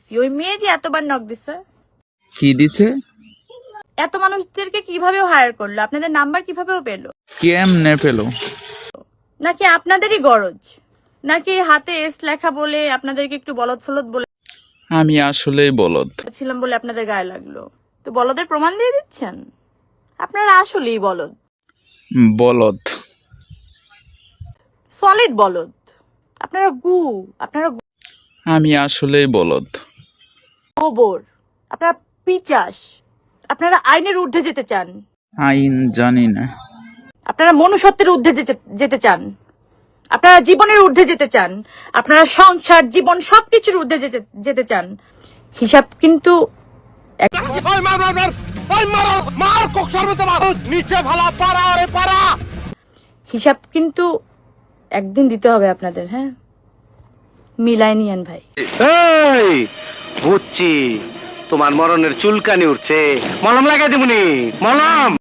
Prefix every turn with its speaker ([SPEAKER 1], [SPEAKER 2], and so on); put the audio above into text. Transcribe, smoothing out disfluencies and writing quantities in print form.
[SPEAKER 1] দিছি, ওই মেয়ে যে এতবার নক দিছে।
[SPEAKER 2] কি দিছে?
[SPEAKER 1] এত মানুষদেরকে কিভাবে হায়ার করলো? আপনাদের নাম্বার কিভাবেও পেলো?
[SPEAKER 2] কেমনে পেলো?
[SPEAKER 1] নাকি আপনাদেরই গরজ? নাকি হাতে এস লেখা বলে আপনাদেরকে একটু বলদ ফলদ
[SPEAKER 2] আমি আসলেই বলদ
[SPEAKER 1] বলেছিলাম বলে আপনাদের গায়ে লাগলো? তো বলদের প্রমাণ দিয়ে দিচ্ছেন? আপনারা আসলেই বলদ,
[SPEAKER 2] বলদ,
[SPEAKER 1] সলিড বলদ। আপনারা আপনারা
[SPEAKER 2] আমি আসলেই বলদ।
[SPEAKER 1] গোবর, আপনারা পিচাস, আপনারা আইনের ঊর্ধ্বে যেতে চান,
[SPEAKER 2] আইন জানি না।
[SPEAKER 1] আপনারা মনুষ্যত্বের ঊর্ধ্বে যেতে চান, আপনারা জীবনের ঊর্ধ্বে যেতে চান, আপনারা সংসার জীবন সবকিছুর ঊর্ধ্বে যেতে চান। হিসাব কিন্তু হিসাব কিন্তু একদিন দিতে হবে আপনাদের। হ্যাঁ, মিলাই নিয়েন ভাই।
[SPEAKER 3] এই বুঝছি, তোমার মরণের চুলকানি উঠছে, মলম লাগাই দিবনি, মলম।